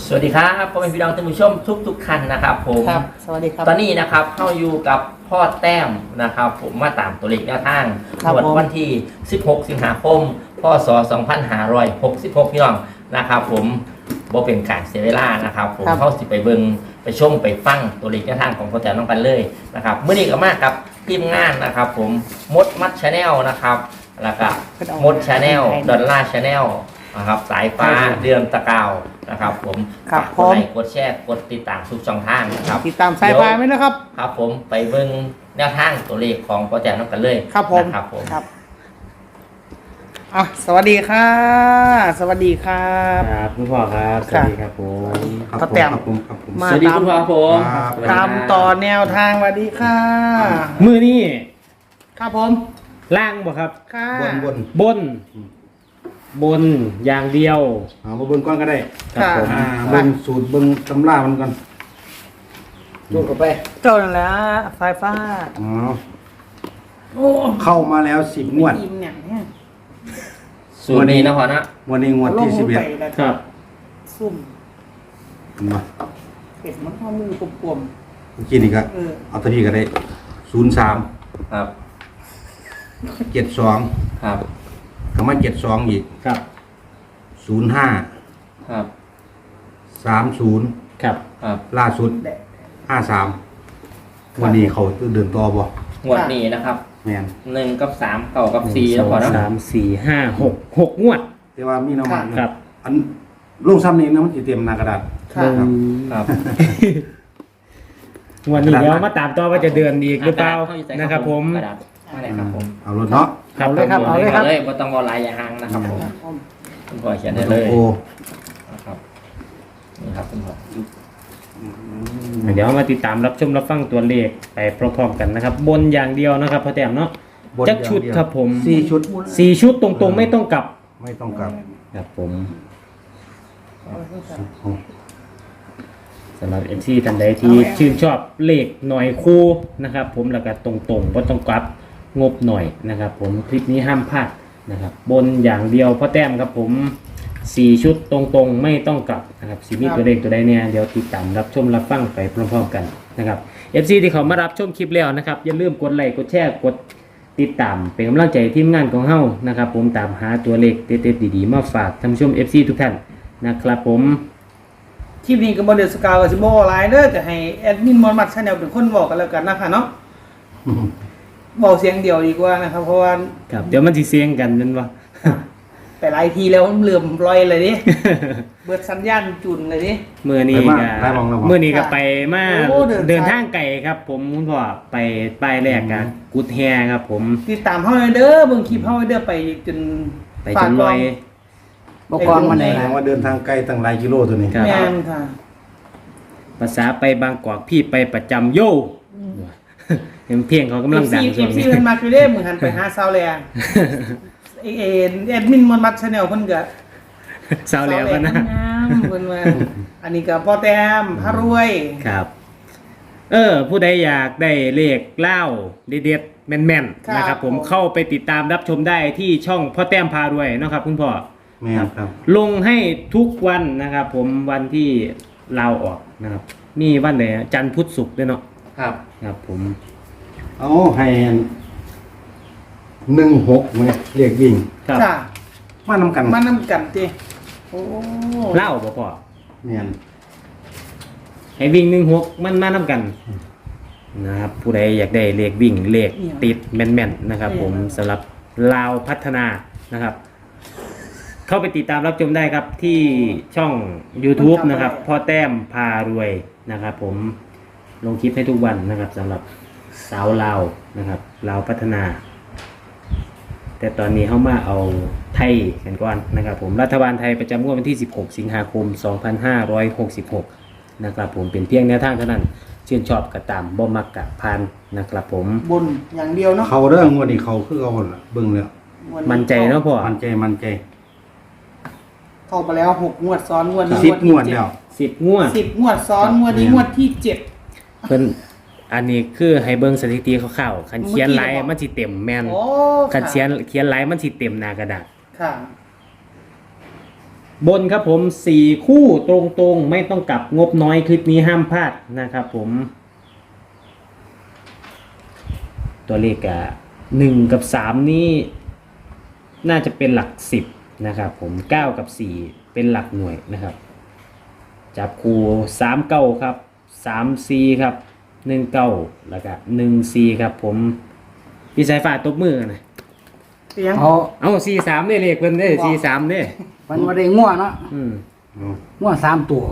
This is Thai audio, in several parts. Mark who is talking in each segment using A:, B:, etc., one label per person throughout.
A: สวัสดีครับพ่อแม่พี่น้องท่านผู้ชมทุกท่านนะครับผม
B: ครับสวัสดีครับ
A: ตอนนี้นะครับเข้าอยู่กับพ่อแต้มนะครับผมมาตามตัวเลขแนวทางวันที่ 16 สิงหาคม พศ 2566 พี่น้องนะครับผมบ่เป็นการเสียเวลานะครับผมเข้าสิไปเบิ่งไปชมไปฟังตัวเลขแนวทางของพ่อแต้มน้องกันเลยนะครับเมื่อนี้ก็มากับทีมงานนะครับผมมดมัดชาแนลนะครับแล้วก็มดชาแนลดอลลาร์ชาแนลนะครับสายฟ้าเดือนตะกาวนะครับผมฝากกดไลค์กดแชร์กดติดตามทุกช่องทางนะครับ
B: ติดตามสายฟ้าไหมนะครับ
A: ครับผมไปเบิ่งแนวทางตัวเลขของโปรเจกต์น้องกันเลย
B: ครับผม
A: ครับผม
B: ครับสวัสดีค่ะสวัสดีครับ
C: ครับคุณพ่อครับสวัสดีครับผม
B: พ่อแต้ม
A: สวัสดีคุณพ่อผม
B: ตามต่อแนวทางสวัสดีค่ะ
C: มือนี่
B: ครับผม
C: ล่างบ่ครับ
B: ค่ะ
C: บนอย่างเดียว
D: มาบนก้อนก็ได้
B: ครับผม
D: เบิ่งสูตรเบิ่งตำรามันก่อน
B: ดูเข้าไปเจ้านั่นแหละสายฟ้า
D: เข้ามาแล้ว10 งวด
A: สูตรนี้นะพ่อนะ
D: วันนี้งวดที่11
C: ครับ
B: ซุ่ม
D: มา
B: เป็ดมันข้อมือกลม
D: ๆเมื่อกี้นี่ก็เอาตัวนี้ก็ได้03
A: ครับ
D: 72
A: ครับ
D: ก็มา72อีก
C: ครับ
D: 05
A: ครับ
D: 30
C: ครับ
A: ครับ
D: ล่าสุด53วันนี้เขาเดินต่อบ่
A: งวดนี้นะครับ
D: แม่น
A: 1กับ3เก่ากับ4แล้วพ่อนะ
C: 3 4 5 6งวด
D: แต่ว่ามีน้ำมัน
C: ครับ
D: อันลงซ้ำนี้นะมันสิเต็มหน้ากระดาษ
A: ครับ
C: งวดนี้เดี๋ยวมาตามต่อว่าจะเดือนอีกหรือเปล่านะครับผม
D: เอารถเนาะ
B: เอาเลยครับเอาเลยครับ
A: บ่ต้องรอหลายอย่างนะครับผมคุณพ่อเขียนได้เลยนะครับนี่ครับคุณพ่อ
C: เดี๋ยวมาติดตามรับชมรับฟังตัวเลขไปพร้อมๆกันนะครับบนอย่างเดียวนะครับพ่อแต้มเนาะจักชุดครับผม4 ชุดตรงๆไม่ต้องกลับครับผมสำหรับ MC ท่านใดที่ชื่นชอบเลขหน่อยคู่นะครับผมแล้วก็ตรงๆบ่ต้องกลับงบหน่อยนะครับผมคลิปนี้ห้ามพลาดนะครับบนอย่างเดียวพ่อแต้มครับผม4 ชุดตรงๆไม่ต้องกลับนะครับสิมีตัวเลขตัวใดเนี่ยเดี๋ยวติดตามรับชมรับฟังไปพร้อมๆกันนะครับ FC ที่เขามารับชมคลิปแล้วนะครับอย่าลืมกดไลค์กดแชร์กดติดตามเป็นกำลังใจทีมงานของเฮานะครับผมตามหาตัวเลขเด็ดๆดีๆมาฝากท่านผู้ชม FC ทุกท่านนะครับผม
B: คลิปนี้ก็บ่ได้สกาวกับสิบ่หลายเด้อก็ให้แอดมินมอนมัดชาแนลเป็นคนบอกกันแล้วกันนะคะเนาะบอกเสียงเดียวดีกว่านะครับเพราะว่า
C: ครับเดี๋ยวมันสิเสียงกันนั่นบ่
B: ไปหลายทีแล้วมันเหลื่อมลอยเลยดิเบิดสัญญาณจุนเลยดิ
C: มื้อนี้ก็ไปมาเดินทางไกลครับผมคุณพ่อไปป้ายแรกกันกุดแฮครับผม
B: ติดตามเฮาเด้อเบิ่งคลิปเฮาเด้อไปจน
C: ลอย
D: บ่ก่อนมันแรงว่าเดินทางไกลตั้งหลายกิโลตัวนี้
B: แม่นค่ะ
C: ภาษาไปบางกอกพี่ไปประจำโยเห็นเพียงเขากำลังดัง
B: ช่วงนี้มันมักอยู่เด้มื้อหันไปหาซาวแลแอดมินมอนมัดชาแนลเพิ่นก็
C: ซาวแลก็นะ
B: เพิ่นว่าอันนี้ก็พ่อแต้มพารวย
C: ครับผู้ใดอยากได้เลขเล่าเด็ดๆแม่นๆนะครับผมเข้าไปติดตามรับชมได้ที่ช่องพ่อแต้มพารวยนะครับคุณพ่อ
D: แม่ครับ
C: ลงให้ทุกวันนะครับผมวันที่เราออกนะครับมีวันไหนจันทร์พุธศุกร์ด้วยเนาะครับผม
D: เอาให้16มั้ยเรียกวิ่ง
B: จ้ะ
D: มานำ
B: กันติโอ้
C: เล่าบ่พ่อ
D: แม่น
C: ให้วิ่ง16มันมานำกันนะครับผู้ใดอยากได้เลขวิ่งเลขติดแม่นๆนะครับผมสำหรับลาวพัฒนานะครับเข้าไปติดตามรับชมได้ครับที่ช่อง YouTube นะครับพ่อแต้มพารวยนะครับผมลงคลิปให้ทุกวันนะครับสำหรับสาวลาวนะครับลาวพัฒนาแต่ตอนนี้เข้ามาเอาไทยกันก่อนนะครับผมรัฐบาลไทยประจำงวดวันที่16 สิงหาคม 2566นะครับผมเป็นเพียงแนวทางเท่านั้นชื่นชอบกระตามบ่มักกะพานนะครับผม
B: บนอย่างเดียวเนาะ
D: เขาเด้องวดนี้เขาคือเอาล่ะเบิ่งแล้ว
C: มั่นใจเนาะพ่อ
D: มั่นใจ
B: เข้าไปแล้ว6 งวดซ้อนงวดนี้
D: 10 งวดแล้ว
C: 10 งวด
B: ซ้อนงวดนี้งวดที่7
C: เพิ่นอันนี้คือให้เบิ่งสถิติคร่าวๆคันเขียนลายมันสิเต็มแม่นคันเขียนลายมันสิเต็มหน้ากระดาษ
B: ค่ะ
C: บนครับผม4คู่ตรงๆไม่ต้องกลับงบน้อยคลิปนี้ห้ามพลาดนะครับผมตัวเลข1กับ3นี่น่าจะเป็นหลัก10นะครับผม9กับ4เป็นหลักหน่วยนะครับจับคู่3 9ครับ3 4ครับ1 9แล้วก็1 4ครับผมพี่สายฟ้าตบมือนะ
B: เตียง
C: เอา4 3ได้เลขเพิ่นได้4 3เด้
E: มันมาได้ง่วเนาะ
D: เอา
E: ง่ว3 ตัว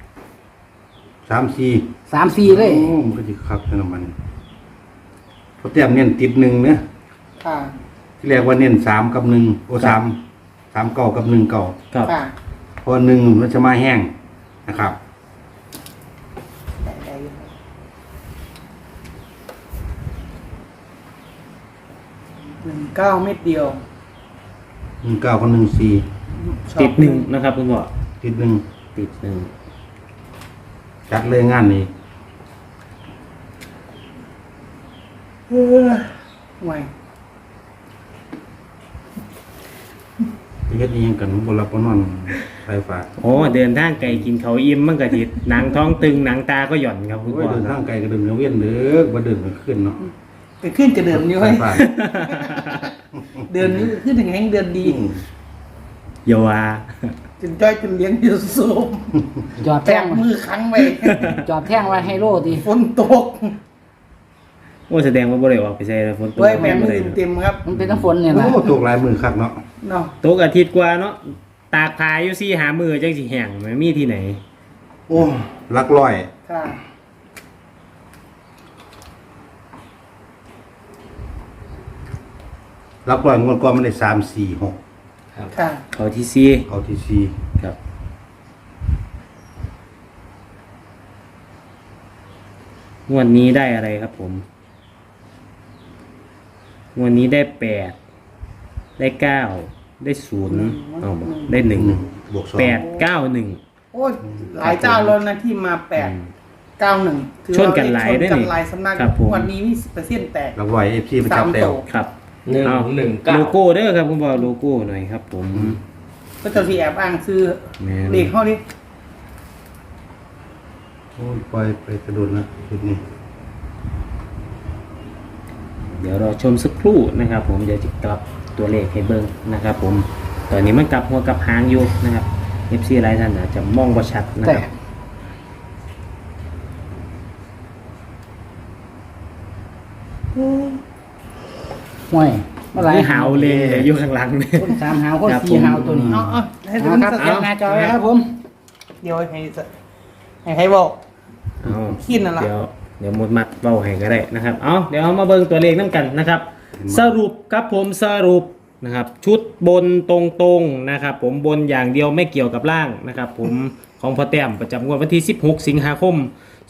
D: 3 4
E: 3 4เลย
D: โอ้มันก็สิคักแค่นั้นมันพอแต้มเน้นติด1เนี่ย
B: ค่ะ
D: ที่แรกว่าเน้น3กับ1โอ้3 9กับ1 9
C: ครับ
B: ค่ะ
D: เพราะ1มันจะมาแห้งนะครับ
B: 19 เม็ดเดียว
D: 1 9กับ1 4
C: ติด1นะครับคุณพ่อ
D: ติด1
C: ติด1
D: จัดเลยงานนี้
B: ห่วย
D: ไปเฮ็ดอีหยังกันบ่หลับบ่นอนไฟฟ้า
C: โอ้เดินทางไกลกินเขาวอิ่มมันก็ติดหนังท้องตึงหนังตาก็หย่อนครับคุณ
D: โอ้
C: พ่
D: ย
C: อ
D: เดิน
C: ค
D: ทา
C: รับ
D: งไกลก็เดินเวียนเด้อบ่เดินกลางคืนเนาะ
B: ไปขึ้นจะเดินอยู่
D: ไฟ
B: เฮ้ย
D: ฟ้า
B: เดินนี้ขึ้นถึงแห่งเดินดี
C: อย่าว่า
B: จนจ้อยจนเลี้ยงอยู่สูบ
E: จอด
B: แต
E: แท่ง
B: กมือค้างไว้
E: จอดแท่งไว้ให้โลดิ
B: ฝนตก
C: โอ้แสดงว่าบ่ได้ออกไปใส่ฝนตก
B: ไว้แบนมื
C: บ่
B: อ
C: ได้
B: เต็มครับ
E: มันเป็นน้ำฝนเนี่ยนะ
D: โอ้ตกหลายมือคักเนาะ
B: เนาะ
C: ตกอาทิตย์กว่าเนาะตากพายอยู่4หามือจังสิแห้งมันมีที่ไหน
D: โอ้หลักร้อย
B: ค่ะ
D: หลักร้อยงวดก่อนมันได้3 4 6
B: ค่ะ
C: เขาที่
D: เอาที่
C: 4ครับงวดนี้ได้อะไรครับผมงวดนี้ได้8ได้9ได้0เอาบ่ได้
D: 4
C: 1
D: 1บวก2
C: 8 9 1
B: โอ้ยหลายเจ้าแล้วนะที่มา891ถือ
C: ชนกันหลายด้วย
B: ชน
C: นี่
B: กันหลายสำนัก
C: ครับผม
B: วันนี้มี10%แตก
D: หลักร้อย FC ประจับ
B: 3
D: แต้
B: โต
D: ว
C: ครับ
A: 1
C: เอา
A: 1
C: โล
A: 9
C: โก้เด้อครับคุณบอกโลโก้หน่อยครับผม
B: ก็เจะที่แอบอ้างซื้อ
C: แม่น
B: เลขเข้าดิ
D: โอ้ยปล่อยไปกระโดดนะจุดนี้
C: เดี๋ยวเราชมสักครู่นะครับผมเดี๋ยวจะกลับตัวเลขให้เบิ้งนะครับผมตอนนี้มันกลับหัวกลับหางอยู่นะครับ FC หลายท่านอาจจะมองบ่ชัดนะ
E: แต่
C: ครับ
E: ห่วยเมื่อไหร่
C: นี่หาวเลยอยู่ข้างหลังเนี่ย
E: คน3 หาวคน
C: ครับ
E: 4 หาวตัวนี้
B: เอาให้ดู
E: เอา
B: มัน
E: ครับ
B: สัก
E: แคปหน้าจอไว้ครับผม
B: เดี๋ยวให้บอก
C: เอา
B: ขี้นั่นล่ะ
C: เดี๋ยวหมดมัดเบาให้ก็ได้นะครับเอาเดี๋ยวเอามาเบิ้งตัวเลขน้ำกันนะครับ สรุปครับผมสรุปนะครับชุดบนตรงๆนะครับผมบนอย่างเดียวไม่เกี่ยวกับล่างนะครับผมของพ่อแต้มประจำงวดวันที่ 16 สิงหาคม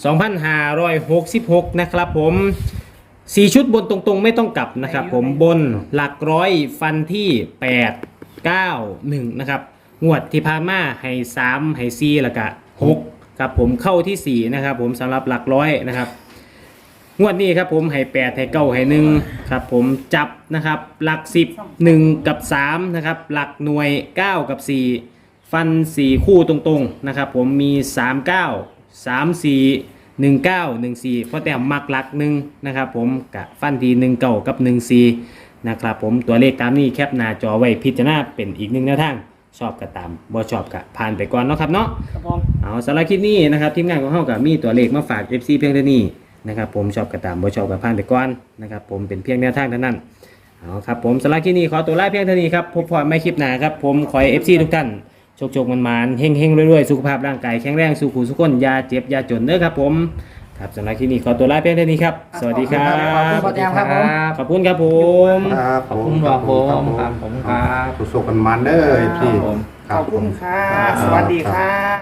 C: 2566 นะครับผม4ชุดบนตรงๆไม่ต้องกลับนะครับผมบนหลักร้อยฟันที่ 8 9 1นะครับงวดที่ผ่านมาให้3ให้4แล้วก็6ครับผมเข้าที่ 4 นะครับผมสำหรับหลักร้อยนะครับ งวดนี้ครับผมให้8ให้9ให้1ครับผมจับนะครับหลัก10 1กับ3นะครับหลักหน่วย9กับ4ฟัน4คู่ตรงๆนะครับผมมี39 34 19 14เพราะแต่มักหลัก1นะครับผมกับฟันที่19กับ14นะครับผมตัวเลขตามนี้แคปหน้าจอไว้พิจารณาเป็นอีกหนึ่งแนวทางชอบก็ตามบ่ชอบก็ผ่านไปก่อนเนาะครับเนาะ
B: ครับผม
C: เอาสำหรับคลิปนี้นะครับทีมงานของเฮากับมีตัวเลขมาฝาก FC เพียงเท่านี้นะครับผมชอบกระตามบ่ชอบกับผ่านไปก่อนนะครับผมเป็นเพียงแนวทางเท่านั้นเอาครับผมสำหรับคลิปนี้ขอตัวลาเพียงเท่านี้ครับพบกันใหม่คลิปหน้าครับผมขอให้ FC ทุกท่านโชคๆมันๆเฮงๆรวยๆสุขภาพร่างกายแข็งแรงสุขุสุขคนอย่าเจ็บอย่าจนเด้อครับผมครับสำหรับคลิปนี้ขอตัวลาเพียงเท่านี้ครับสวัสดีครั
E: ขอบคุณพ่อแต้มครับผม
C: ขอบคุณครับผม
D: ครับ
A: ขอบคุณครับผมครับผมครับ
D: สุขๆกันมันเด้อ FC
A: ครับผม
B: ขอบคุณค่ะ สวัสดีค่ะ